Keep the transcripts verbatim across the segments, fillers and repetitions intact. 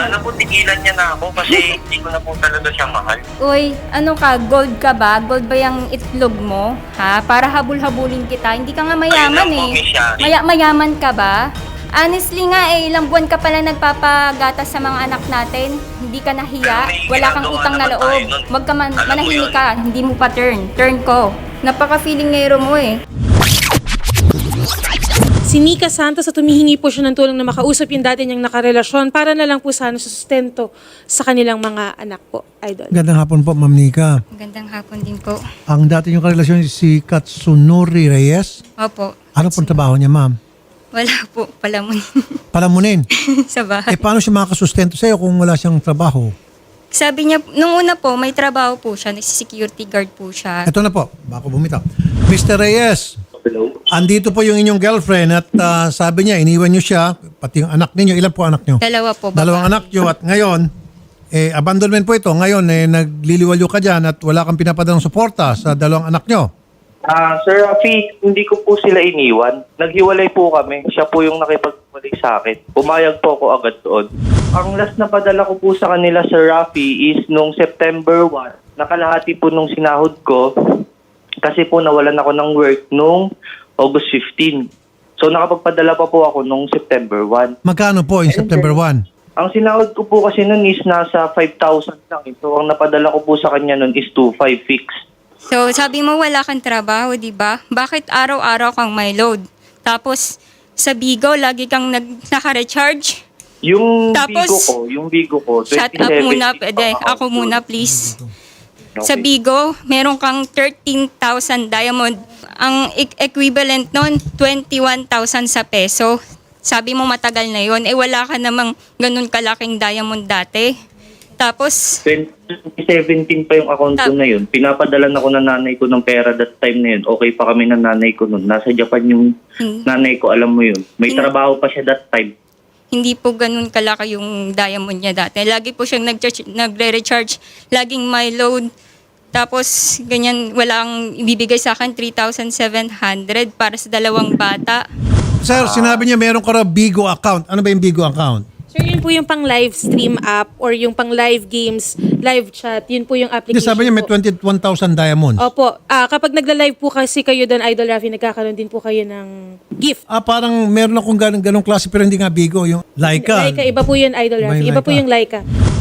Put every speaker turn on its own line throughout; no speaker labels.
Sana po tigilan niya na ako kasi hindi ko na po talaga siya mahal.
Uy, ano ka, gold ka ba? Gold ba yung itlog mo? Ha? Para habul-habulin kita. Hindi ka nga mayaman
Ayun lang po,
eh.
Miss Shari.
Maya- mayaman ka ba? Honestly nga eh, ilang buwan ka pala nagpapagatas sa mga anak natin. Hindi ka nahiya.
Pero may
Wala kang
ginagawa
utang na
naman
loob.
tayo nun.
Wag ka man,
Alam mo
manahimik
yun.
ka. Hindi mo pa turn. Turn ko. Napaka-feeling ngero mo eh.
Si Nika Santos at humihingi po siya ng tulong na makausap yung dati niyang nakarelasyon para na lang po sana sa sustento sa kanilang mga anak po, idol.
Gandang hapon po, Ma'am Nika.
Magandang hapon din po.
Ang dati niyong karelasyon si Katsunori Reyes.
Opo.
Ano pong trabaho niya, ma'am?
Wala po pala mo
Palamunin.
sa bahay.
Eh, paano siya makakasustento sa'yo kung wala siyang trabaho?
Sabi niya, nung una po, may trabaho po siya. Nagsi-security guard po siya.
Ito na po, bako bumitaw. Mister Reyes,
Hello?
andito po yung inyong girlfriend at ah, sabi niya, iniwan niyo siya, pati yung anak ninyo. Ilan po anak niyo?
Dalawa po.
Dalawang
babae.
anak niyo at ngayon, eh, abandonment po ito. Ngayon, eh, nagliliwalyo ka dyan at wala kang pinapadalang suporta sa dalawang anak niyo.
Ah, Sir Rafi, hindi ko po sila iniwan. Naghiwalay po kami. Siya po yung nakipaghiwalay sa akin. Pumayag po ako agad doon. Ang last na padala ko po sa kanila, Sir Rafi, is nung September first. Nakalahati po nung sinahod ko kasi po nawalan ako ng work nung August fifteenth. So nakapagpadala pa po ako nung September first.
Magkano po in September first?
Ang sinahod ko po kasi nun is nasa five thousand lang. So ang napadala ko po sa kanya nun is two five fixed.
So, sabi mo wala kang trabaho, di ba? Bakit araw-araw kang may load? Tapos, sa Bigo, lagi kang nag naka-recharge?
Yung
Tapos,
bigo ko, yung bigo ko,
Shut up
twenty-seven
muna,
fixed
pwede.
account
Ako
ko.
muna, please.
Okay.
Sa Bigo, meron kang thirteen thousand diamond. Ang e- equivalent nun, twenty-one thousand sa peso. Sabi mo matagal na yon, eh wala ka namang ganun kalaking diamond dati. Tapos,
twenty seventeen pa yung account ko
Tap-
na yun. Pinapadalan ako ng nanay ko ng pera that time na yun. Okay pa kami ng nanay ko nun. Nasa Japan yung
Hmm.
nanay ko, alam mo yun. May
Hmm.
trabaho pa siya that time.
hindi po ganun kalaki yung diamond niya dati. Lagi po siyang nag- nagre-recharge, laging may load. Tapos, ganyan, walang ibibigay sa akin, three thousand seven hundred para sa dalawang bata.
Sir, sinabi niya meron ka raw Bigo account. Ano ba yung Bigo account?
Sir, yun po yung pang live stream app or yung pang live games, live chat, yun po yung
Hindi,
application
sabi niya may
po.
twenty-one thousand diamonds.
Opo, ah, kapag nagla-live po kasi kayo doon, Idol Rafi, nagkakaroon din po kayo ng gift.
Ah, parang meron akong ganong, ganong klase pero hindi nga Bigo. Yung Laika.
Laika, iba po yun, Idol
Iba
Rafi.
yung
Iba po
Laika.
yung Laika.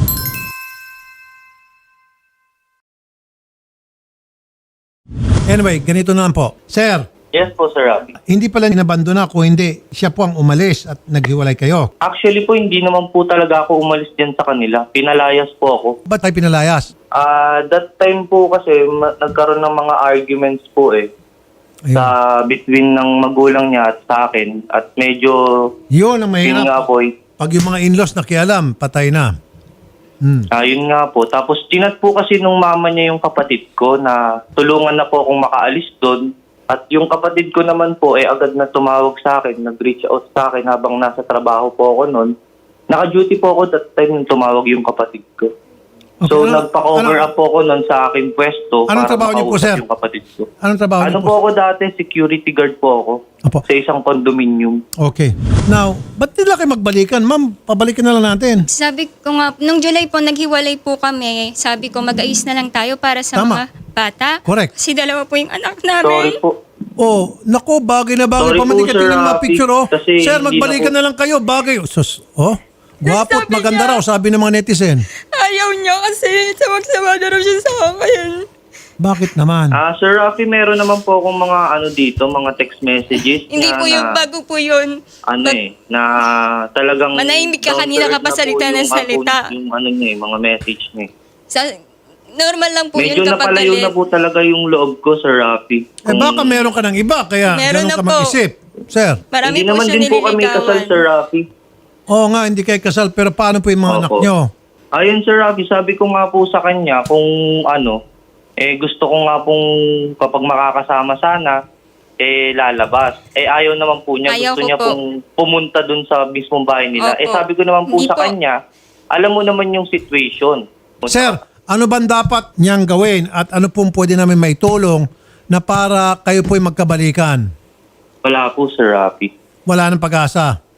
Anyway, ganito na lang po. Sir,
Yes po, Sir Rafi.
hindi pala inabandona ko, hindi. Siya po ang umalis at naghiwalay kayo.
Actually po, hindi naman po talaga ako umalis dyan sa kanila. Pinalayas po ako.
Ba't tayo pinalayas?
Ah, that time po kasi ma- nagkaroon ng mga arguments po eh.
Ayun.
Sa between ng magulang niya at sa akin. At medyo,
Yun ang
yun nga
mahirap.
po, eh,
Pag yung mga in-laws nakialam, patay na. Hmm.
Ah, yun nga po. Tapos tinat po kasi nung mama niya yung kapatid ko na tulungan na po akong makaalis doon. At yung kapatid ko naman po eh agad na tumawag sa akin, nag-reach out sa akin habang nasa trabaho po ako noon. Naka-duty po ako that time nung tumawag yung kapatid ko. So
Okay, ano-
nagpa-cover
ano-
up po ako noon sa aking pwesto
Anong
para
trabaho niyo po,
makausap
sir?
yung kapatid ko.
Anong trabaho
Ano
niyo
po ako dati? Security guard po ako
Apo.
sa isang condominium.
Okay. Now, ba't nila kayo magbalikan? Ma'am, pabalikan na lang natin.
Sabi ko nga, nung July po, naghiwalay po kami. Sabi ko, mag-ayos na lang tayo para sa
Tama.
mga bata.
Correct.
Kasi dalawa po yung anak
Sorry
namin.
po.
Oh, nako, bagay na bagay
Sorry
pa man
po,
di ka
Sir
tingnan mga
Rafi,
picture, oh.
kasi
Sir,
hindi
magbalikan
na po-
na lang kayo, bagay. Sus, oh, gwapo at
Sabi
maganda
niya-
raw, sabi ng mga netizen.
Ayaw niya kasi sawag-sawa na raw siya sa akin.
Bakit naman?
Ah, Sir Rafi, meron naman po akong mga ano dito, mga text messages.
Hindi
na-
po yung
na-
bago po yun.
ano
Mag-
eh, na talagang...
Manahimik ka
down to
kanina
earth
ka pa
na po
salita
yung
ng salita.
account, Yung ano niya eh, mga message niya eh.
Sa, normal lang po
Medyo
yun kapag
napalayo
galit.
na po talaga yung loob ko, Sir Rafi.
Eh baka meron ka ng iba, kaya
Meron
ganun
na
ka
po.
mag-isip. Sir,
Marami
Hindi
po
naman
siya
din po kami kasal,
nililigawan.
Sir Rafi.
oo nga, hindi kayo kasal, pero paano po yung mga anak
Opo.
nyo?
Ayun, Sir Rafi, sabi ko nga po sa kanya kung ano, eh gusto ko nga pong kapag makakasama sana, eh lalabas. Eh ayaw naman po niya,
Ayaw
gusto
ko
niya
po.
pong pumunta dun sa mismong bahay nila.
Opo.
Eh sabi ko naman po
Hindi
sa
po.
kanya, alam mo naman yung situation.
Sir, ano ba dapat niyang gawin at ano pong pwede namin maitulong na para kayo po'y magkabalikan?
Wala po, Sir Rafi.
Wala nang pag-asa.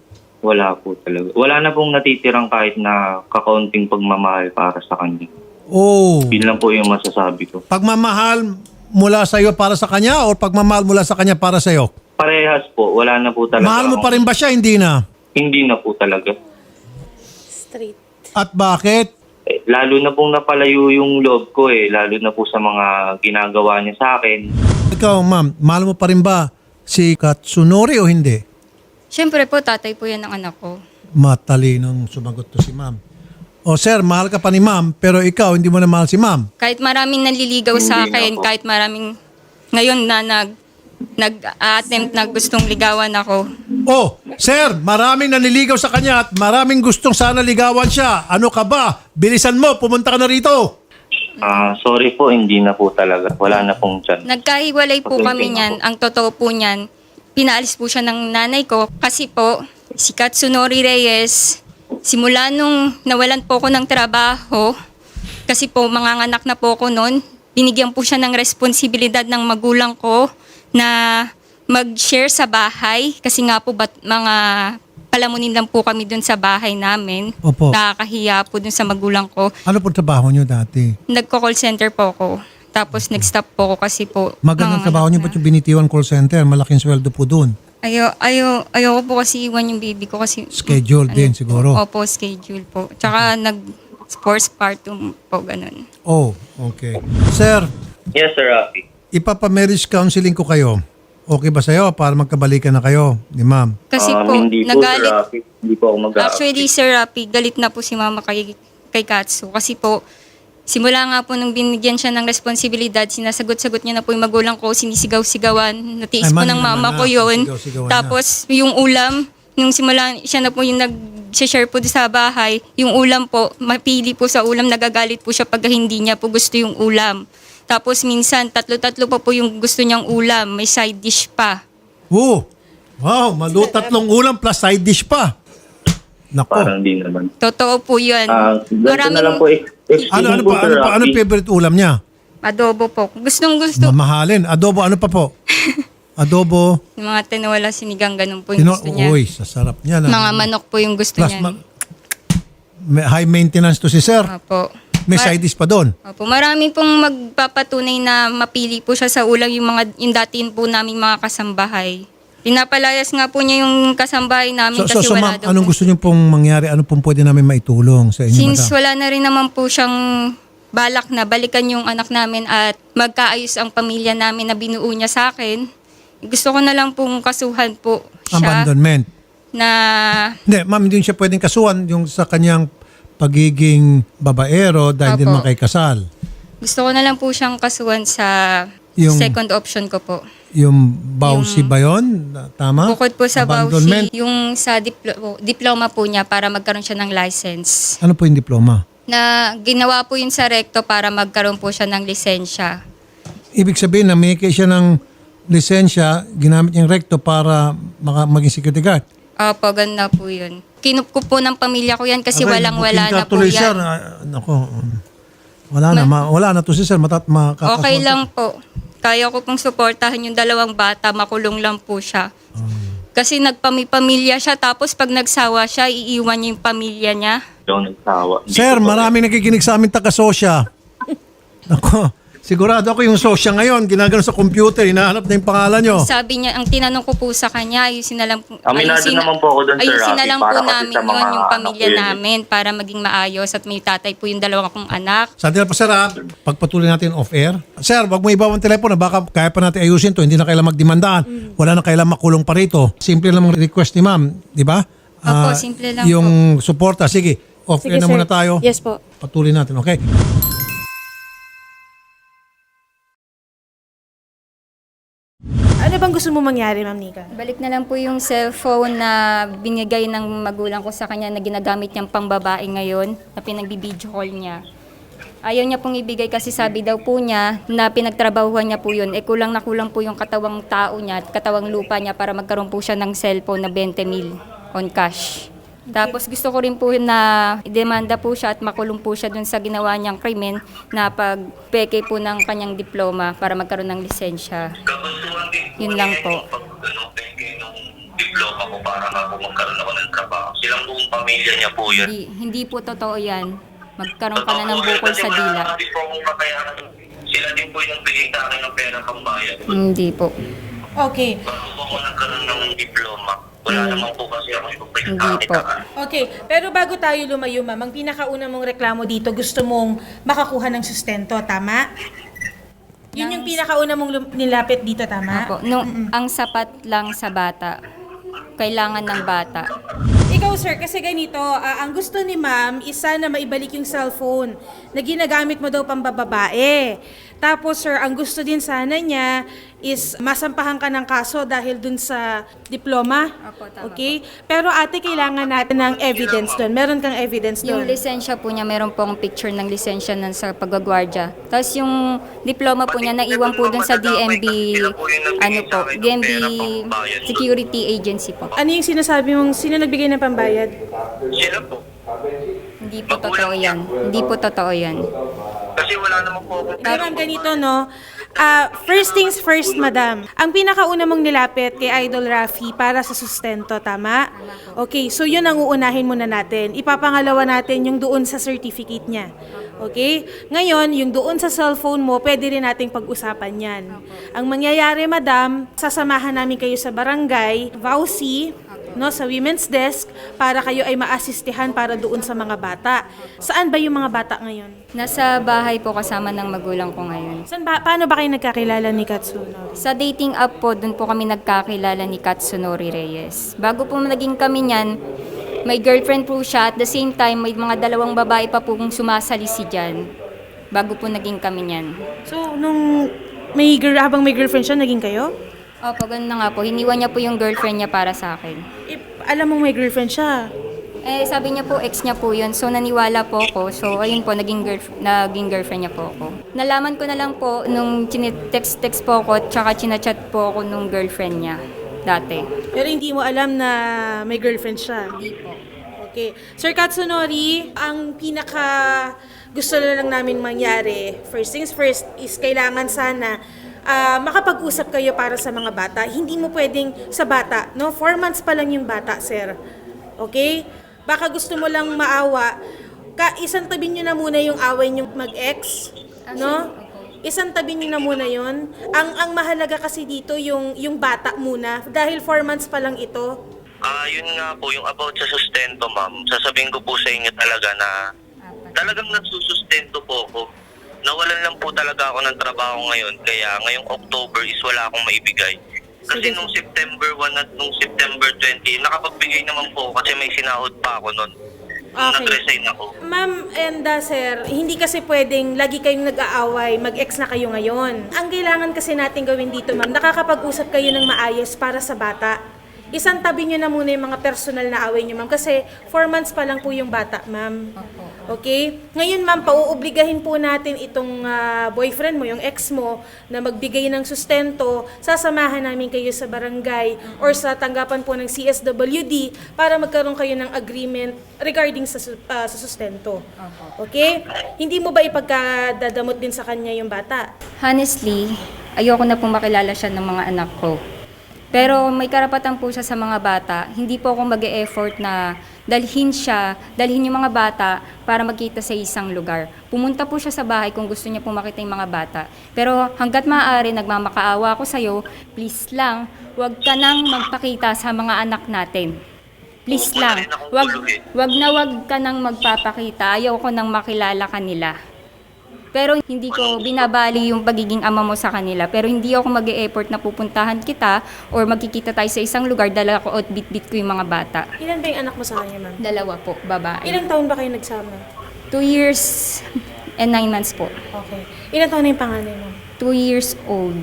Wala po talaga. Wala na pong natitirang kahit na kakaunting pagmamahal para sa kanya.
Oh.
Yun lang po yung masasabi ko.
Pagmamahal mula sa iyo para sa kanya o pagmamahal mula sa kanya para sa iyo?
Parehas po. Wala na po talaga.
Mahal mo pa
akong-
rin ba siya? Hindi na.
Hindi na po talaga.
Straight.
At bakit?
Eh, lalo na pong napalayo yung loob ko eh. Lalo na po sa mga ginagawa niya sa akin.
Ikaw, ma'am, mahal mo pa rin ba si Katsunori o hindi?
Siyempre po, tatay po yan ng anak ko.
Matalinong sumagot to si ma'am. O sir, mahal ka pa ni ma'am, pero ikaw hindi mo na mahal si ma'am.
Kahit maraming nanliligaw sa
Hindi na
akin,
po.
kahit maraming ngayon na nag nag-attempt na gustong ligawan ako.
Oh, sir, maraming naniligaw sa kanya at maraming gustong sana ligawan siya. Ano ka ba? Bilisan mo, pumunta ka na rito.
Ah, sorry po, hindi na po talaga. Wala na pong tiyan.
Nagkahiwalay po
Okay,
kami
thank
niyan.
you.
Ang totoo po niyan, pinaalis po siya ng nanay ko kasi po si Katsunori Reyes, simula nung nawalan po ko ng trabaho, kasi po manganganak na po ko noon, binigyan po siya ng responsibilidad ng magulang ko na mag-share sa bahay kasi nga po bat, mga palamunin lang po kami dun sa bahay namin.
Opo.
Nakakahiya po dun sa magulang ko.
Ano po trabaho niyo dati?
Nagko-call center po ako. Tapos nag-stop po ako kasi po.
Magandang
mga
trabaho
anak
niyo
na.
ba't yung binitiwan call center? Malaking sweldo po doon.
Ayo, ayo, ayoko po kasi iwan yung baby ko kasi...
Schedule din siguro.
Opo, schedule po. Tsaka nag-sports partum po, ganun.
Oh, okay. Sir,
Yes, Sir Rafi.
ipapa-marriage counseling ko kayo. Okay ba sa'yo para magkabalikan na kayo ni ma'am?
Kasi
Um,
po,
hindi po, Sir
nagalit...
Rafi. Hindi po ako mag
Actually, Sir Rapi, galit na po si mama kay, kay Katsu. Kasi po, simula nga po nung binigyan siya ng responsibilidad, sinasagot-sagot niya na po yung magulang ko, sinisigaw-sigawan. Natiis
Ay,
po
man,
ng
naman
mama
na,
ko yun.
sigaw-sigawan
Tapos, yung ulam, nung simula siya na po yung nag-share po sa bahay, yung ulam po, mapili po sa ulam, nagagalit po siya pag hindi niya po gusto yung ulam. Tapos minsan, tatlo-tatlo pa po yung gusto niyang ulam, may side dish pa.
Oh, wow, malu tatlong ulam plus side dish pa. Nako.
Parang di naman.
Totoo po yun.
Ah, ganito na lang po. eh.
Ano, ano
po,
pa,
Sir
ano pa, ano
Rafi.
favorite ulam niya?
Adobo po. Gustong gusto.
Mamahalin. Adobo, ano pa po? Adobo.
Yung mga tinola sinigang, ganun po yung
Tino,
gusto niya.
uy, sasarap niya. Na.
Mga manok po yung gusto
Plus,
niya.
ma- may high maintenance to si sir.
Opo.
May
Ma-
side dish pa doon.
Opo. Marami pong magpapatunay na mapili po siya sa ulam yung mga yung datin po naming mga kasambahay. Pinapalayas nga po niya yung kasambahay namin
So, so,
kasi
so
wala
ma'am,
daw
anong
po.
gusto niyo pong mangyari? Ano pong pwede namin maitulong sa inyo,
Since
madam?
wala na rin naman po siyang balak na balikan yung anak namin at magkaayos ang pamilya namin na binuo niya sa akin, gusto ko na lang pong kasuhan po siya
Abandonment.
na
Hindi, ma'am, hindi siya pwedeng kasuhan yung sa kanyang pagiging babaero dahil din
Opo.
naman kay kasal.
gusto ko na lang po siyang kasuhan sa
Yung-
second option ko po.
Yung bawsi ba yun? Tama?
Bukod po sa
Abandonment.
Bausi, yung sa diplo- diploma po niya para magkaroon siya ng license.
Ano po yung diploma?
Na ginawa po yun sa recto para magkaroon po siya ng lisensya.
Ibig sabihin na may siya ng lisensya, ginamit niyang recto para maka- maging security guard.
Opo, ganda po yun. Kinup ko po ng pamilya ko yan kasi
Aray,
walang-wala
booking
na
ka
po
tuloy,
yan.
Sir. Ah, nako. um, Wala na, ma- wala na to si sir. Matat, makakasuhan
Okay
to.
lang po. Kaya ko pong suportahan yung dalawang bata, makulong lang po siya. Kasi nagpamipamilya siya, tapos pag nagsawa siya, iiwan niya yung pamilya niya.
Hindi ako nagsawa. Hindi
Sir,
ko po-
maraming nakikinig sa amin taga-sosya. Ako, sigurado ako yung sosya ngayon, ginagano sa computer, hinahanap na yung pangalan nyo.
Sabi niya, ang tinanong ko po sa kanya, ayusin na lang po.
Aminado naman po ako doon, Sir
ayusin na
Rafi,
lang
para
po
kasi
namin
sa
yun,
mga
yung
anak
pamilya
ko yun eh.
namin, para maging maayos at may tatay po yung dalawa kong anak.
Sandali po sir ha, pagpatuloy natin off-air. Sir, wag mo ibawang telepono, baka kaya pa natin ayusin to, hindi na kailangan magdemandaan, wala na kailangan makulong pa rito. Simple lang ang request ni ma'am, di ba?
Opo,
Ah,
simple lang
yung suporta, sige, off-air na
sir.
muna tayo.
Yes po.
Patuloy natin, okay?
Ano bang gusto mo mangyari, Ma'am Nika?
Balik na lang po yung cellphone na binigay ng magulang ko sa kanya na ginagamit niyang pangbabae ngayon, na pinagbibideo call niya. Ayaw niya pong ibigay kasi sabi daw po niya na pinagtrabahuhan niya po yun. E kulang na kulang po yung katawang tao niya at katawang lupa niya para magkaroon po siya ng cellphone na twenty mil on cash. Tapos gusto ko rin po na idemanda po siya at makulong po siya dun sa ginawa niyang krimen na pagpeke po ng kanyang diploma para magkaroon ng lisensya. Yun lang po.
Pag ano, peke ng diploma diploma ko para nga po magkaroon ako ng trabaho. Silang buong pamilya niya po yun.
Hindi, hindi po totoo yan. Magkaroon ka na ng
Totoo po yun,
bukol
kasi
sa
wala
dila.
naman din po akong kakayanan. Sila din po yung bigay sa akin ng pera pang bayad.
Hindi po.
Okay.
Bago po ako nagkaroon ng diploma, wala naman po kasi ako yung
Hmm. Hindi po.
pinagkakitaan.
Okay, pero bago tayo lumayo, ma'am, ang pinakauna mong reklamo dito, gusto mong makakuha ng sustento, tama? Yun yung pinakauna mong lum- nilapit dito, tama?
Opo. Nung, ang sapat lang sa bata. Kailangan ng bata.
Ikaw, sir, kasi ganito, ah, ang gusto ni ma'am is sana maibalik yung cellphone na ginagamit mo daw pang bababae. Tapos, sir, ang gusto din sana niya is masampahan ka ng kaso dahil dun sa diploma.
Opo, tama
Okay? Pero ate, kailangan natin ng evidence doon. Meron kang evidence
Yung
doon.
lisensya po niya, meron pong picture ng lisensya ng sa pagwagwardya. Tapos yung diploma po niya, naiwan po dun sa D M B, ano po, D M B Security Agency po.
Ano yung sinasabi mong, sino nagbigay ng pambayad?
Sila po.
Hindi po totoo yan. Hindi po totoo yan.
Kasi wala naman po akong
Pero ang ganito, no? Ah, first things first, madam. Ang pinakauna mong nilapit kay Idol Rafi para sa sustento, tama? Okay, so yun ang uunahin muna natin. Ipapangalawa natin yung doon sa certificate niya. Okay? Ngayon, yung doon sa cellphone mo, pwede rin nating pag-usapan yan. Ang mangyayari, madam, sasamahan namin kayo sa barangay, Vauci, no, sa women's desk, para kayo ay maasistihan para doon sa mga bata. Saan ba yung mga bata ngayon?
Nasa bahay po kasama ng magulang ko ngayon.
Saan ba, paano ba kayo nagkakilala ni Katsuno?
Sa dating app po, dun po kami nagkakilala ni Katsunori Reyes. Bago po naging kami niyan, may girlfriend po siya. At the same time, may mga dalawang babae pa po kung sumasalisi dyan. Bago po naging kami niyan.
So, nung may girl, habang may girlfriend siya, naging kayo?
Opo, ganun na nga po. Hiniwan niya po yung girlfriend niya para sa akin.
Eh, alam mong may girlfriend siya.
Eh, sabi niya po, ex niya po yun. So, naniwala po ako. So, ayun po, naging, girlf- naging girlfriend niya po ako. Nalaman ko na lang po nung text-text po ako, tsaka chinachat po ako nung girlfriend niya dati.
Pero hindi mo alam na may girlfriend siya.
Hindi po.
Okay. Sir Katsunori, ang pinaka gusto na lang namin mangyari, first things first, is kailangan sana ah, makapag-usap kayo para sa mga bata. Hindi mo pwedeng sa bata, no? Four months pa lang yung bata, sir. Okay? Baka gusto mo lang maawa. Ka, isang tabi nyo na muna yung away nyo mag-ex, no? Isang tabi nyo na muna yon. Ang ang mahalaga kasi dito yung yung bata muna dahil four months pa lang ito.
Ah, yun nga po, yung about sa sustento, ma'am. Sasabihin ko po sa inyo talaga na talagang nagsusustento po ako. Nawalan lang po talaga ako ng trabaho ngayon. Kaya ngayong October is wala akong maibigay. Kasi nung September first at nung September twentieth, nakapagbigay naman po ako kasi may sinahod pa ako nun. Nung
Okay.
nag-resign ako.
Ma'am and uh, sir, hindi kasi pwedeng lagi kayong nag-aaway, mag-ex na kayo ngayon. Ang kailangan kasi natin gawin dito, ma'am, nakakapag-usap kayo ng maayos para sa bata. Isang tabi nyo na muna yung mga personal na away nyo, ma'am, kasi four months pa lang po yung bata, ma'am. Okay? Ngayon, ma'am, pauobligahin po natin itong ah, boyfriend mo, yung ex mo, na magbigay ng sustento. Sasamahan namin kayo sa barangay or sa tanggapan po ng C S W D para magkaroon kayo ng agreement regarding sa, su- ah, sa sustento. Okay? Hindi mo ba ipagkadadamot din sa kanya yung bata?
Honestly, ayoko na pong makilala siya ng mga anak ko. Pero may karapatan po siya sa mga bata. Hindi po ako mag-e-effort na dalhin siya, dalhin yung mga bata para magkita sa isang lugar. Pumunta po siya sa bahay kung gusto niya po makita yung mga bata. Pero hanggat maaari, nagmamakaawa ako sa'yo, please lang, huwag ka nang magpakita sa mga anak natin. Please
Oo, wala
lang,
rin akong
wag,
gulo eh.
wag na wag ka nang magpapakita. Ayaw ko nang makilala kanila. Pero hindi ko binabali yung pagiging ama mo sa kanila. Pero hindi ako mag-e-effort na pupuntahan kita or magkikita tayo sa isang lugar, dala ko at bit-bit ko yung mga bata.
Ilan ba yung anak mo sa kanya, ma'am?
Dalawa po, babae.
Ilang taon ba kayo nagsama?
Two years and nine months po.
Okay. Ilang taon na yung panganay mo?
Two years old.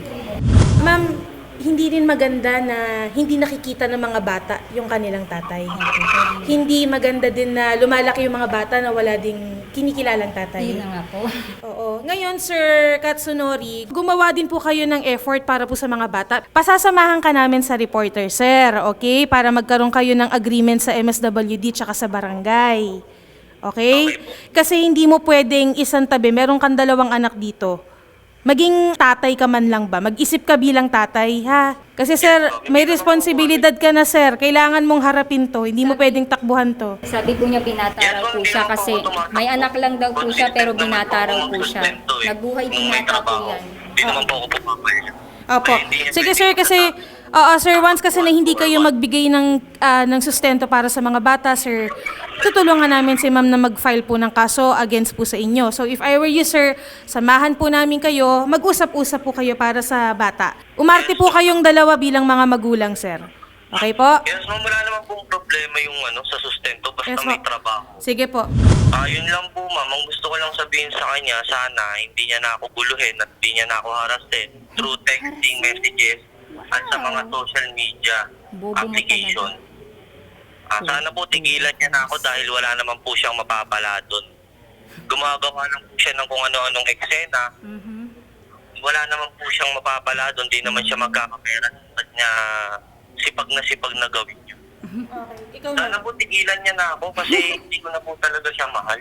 Ma'am, hindi rin maganda na hindi nakikita ng mga bata yung kanilang tatay. Hindi maganda din na lumalaki yung mga bata na wala ding kinikilalang tatay.
Yun na nga po.
Oo. Ngayon, Sir Katsunori, gumawa din po kayo ng effort para po sa mga bata. Pasasamahan ka namin sa reporter, sir, okay? Para magkaroon kayo ng agreement sa M S W D tsaka sa barangay. Okay? Kasi hindi mo pwedeng isang tabi. Meron kang dalawang anak dito. Maging tatay ka man lang ba? Mag-isip ka bilang tatay, ha? Kasi sir, may responsibilidad ka na sir. Kailangan mong harapin to. Hindi mo pwedeng takbuhan to.
Sabi po niya binata raw po siya kasi may anak lang daw po siya pero binata raw po siya. Nabuhay binata po yan.
Hindi naman po ako pumapayag.
Opo. Sige sir, kasi oo sir, once kasi na hindi kayo magbigay ng ah, ng sustento para sa mga bata, sir, tutulungan namin si ma'am na mag-file po ng kaso against po sa inyo. So if I were you sir, samahan po namin kayo, mag-usap-usap po kayo para sa bata. Umarte po kayong dalawa bilang mga magulang, sir. Okay po?
Yes, ma'am, wala naman pong problema yung ano sa sustento basta
Yes,
may
ma'am.
trabaho.
Sige po.
Ah, yun lang po, ma'am. Ang gusto ko lang sabihin sa kanya, sana hindi niya na ako guluhin at hindi niya na ako harasin through texting messages at sa mga social media
Bobo mo
application. Ah, sana po tigilan niya na ako dahil wala naman po siyang mapapala doon. Gumagawa lang po siya ng kung ano-anong eksena. Wala naman po siyang mapapala doon. Di naman siya magkakapera. At niya sipag na sipag na gawin yun.
Okay. Ikaw
Sana po tigilan niya na ako kasi hindi ko na po talaga siya mahal.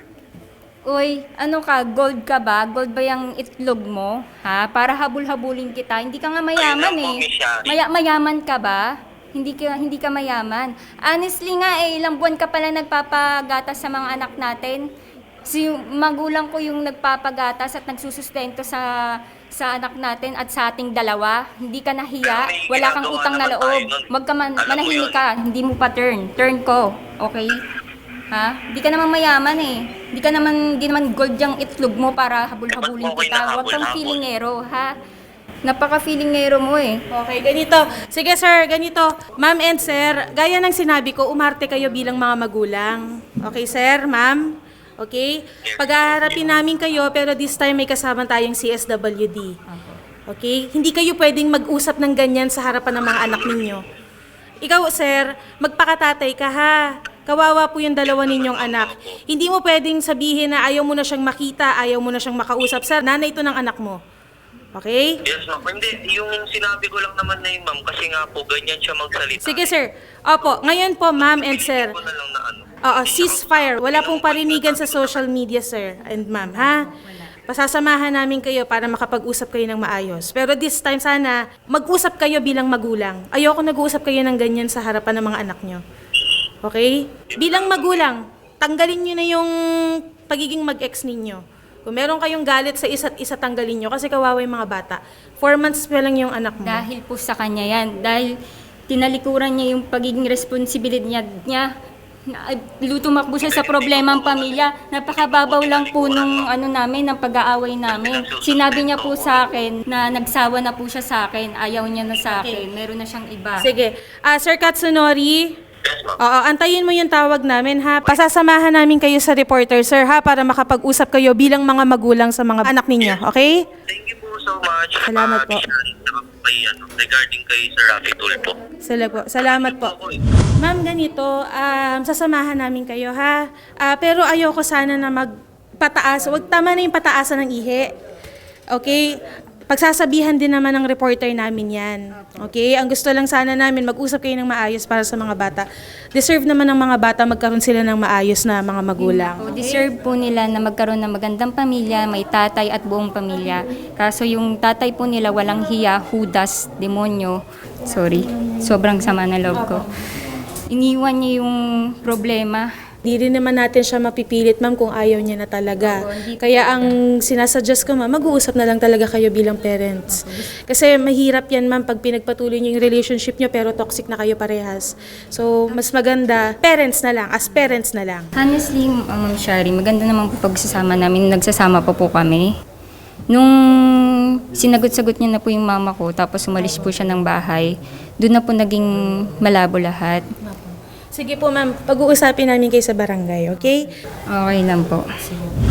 Uy, ano ka, gold ka ba? Gold ba yung itlog mo? Ha? Para habul-habulin kita. Hindi ka nga mayaman
Ayun lang po,
eh.
Miss Shari.
Maya- mayaman ka ba? Hindi ka hindi ka mayaman. Honestly nga eh, ilang buwan ka pala nagpapagatas sa mga anak natin. Si magulang ko yung nagpapagatas at nagsusustento sa sa anak natin at sa ating dalawa. Hindi ka nahiya,
Pero may
wala kang
ginagawa
utang na
naman
loob.
tayo nun.
Wag ka man,
Alam mo
manahimik
yun.
ka, hindi mo pa turn. Turn ko, okay? Ha? Hindi ka naman mayaman eh. Hindi ka naman, hindi naman gold yung itlog mo para habul-habulin
Eh, ba't mo
kita. Huwag kang
kinahabol-habol?
feelingero, ha? Napaka-feelingero mo eh.
Okay, ganito. Sige sir, ganito. Ma'am and sir, gaya ng sinabi ko, umarte kayo bilang mga magulang. Okay sir, ma'am? Okay? Pag-aharapin namin kayo, pero this time may kasama tayong C S W D. Okay? Hindi kayo pwedeng mag-usap ng ganyan sa harapan ng mga anak ninyo. Ikaw sir, magpakatatay ka ha. Kawawa po yung dalawa ninyong anak. Hindi mo pwedeng sabihin na ayaw mo na siyang makita, ayaw mo na siyang makausap. Sir, nanay ito ng anak mo. Okay?
Yes, ma'am. Hindi, yung sinabi ko lang naman na yun, ma'am, kasi nga po, ganyan siya magsalita.
Sige sir. Opo, ngayon po ma'am and sir.
Hindi ko na lang na ano.
Oo, ceasefire. Wala pong parinigan sa social media sir and ma'am, ha? Pasasamahan namin kayo para makapag-usap kayo ng maayos. Pero this time sana, mag-usap kayo bilang magulang. Ayoko nag-uusap kayo ng ganyan sa harapan ng mga anak nyo. Okay? Bilang magulang, tanggalin nyo na yung pagiging mag-ex ninyo. Kung meron kayong galit sa isa't isa, tanggalin nyo kasi kawawa yung mga bata. Four months pa lang yung anak mo.
Dahil po sa kanya yan. Dahil tinalikuran niya yung pagiging responsibilidad niya. niya na- lutumakbo siya sa problema ng pamilya. Napakababaw lang po nung ano namin, ng pag-aaway namin. Sinabi niya po sa akin na nagsawa na po siya sa akin. Ayaw niya na sa akin. Meron na siyang iba.
Sige. Ah, Sir Katsunori,
Yes, ma'am.
oo, antayin mo yung tawag namin ha. Pasasamahan namin kayo sa reporter sir ha para makapag-usap kayo bilang mga magulang sa mga anak ninyo, okay?
Thank you po so much.
Salamat
ah,
po.
Miss Shari, saka po kay, ano, regarding kay Sir Rafi Tulfo.
Sala po. Salamat po.
Ako eh.
Ma'am, ganito, um, sasamahan namin kayo ha. Ah, pero ayoko sana na magpataas. Huwag tama na yung pataasan ng ihi. Okay? Pagsasabihan din naman ng reporter namin yan. Okay? Ang gusto lang sana namin, mag-usap kayo ng maayos para sa mga bata. Deserve naman ng mga bata magkaroon sila ng maayos na mga magulang.
O, deserve po nila na magkaroon ng magandang pamilya, may tatay at buong pamilya. Kaso yung tatay po nila walang hiya, hudas, demonyo. Sorry, sobrang sama na loob ko. Iniwan niya yung problema.
Di rin naman natin siya mapipilit, ma'am, kung ayaw niya na talaga. Kaya ang sinasuggest ko, ma'am, mag-uusap na lang talaga kayo bilang parents. Kasi mahirap yan, ma'am, pag pinagpatuloy niyo yung relationship niyo pero toxic na kayo parehas. So, mas maganda, parents na lang, as parents na lang.
Honestly, uh, Ma'am Shari, maganda naman po pagsasama namin. Nagsasama pa po kami. Nung sinagot-sagot niya na po yung mama ko, tapos umalis po siya ng bahay, doon na po naging malabo lahat.
Sige po, ma'am, pag-uusapin namin kayo sa barangay, okay?
Okay lang po.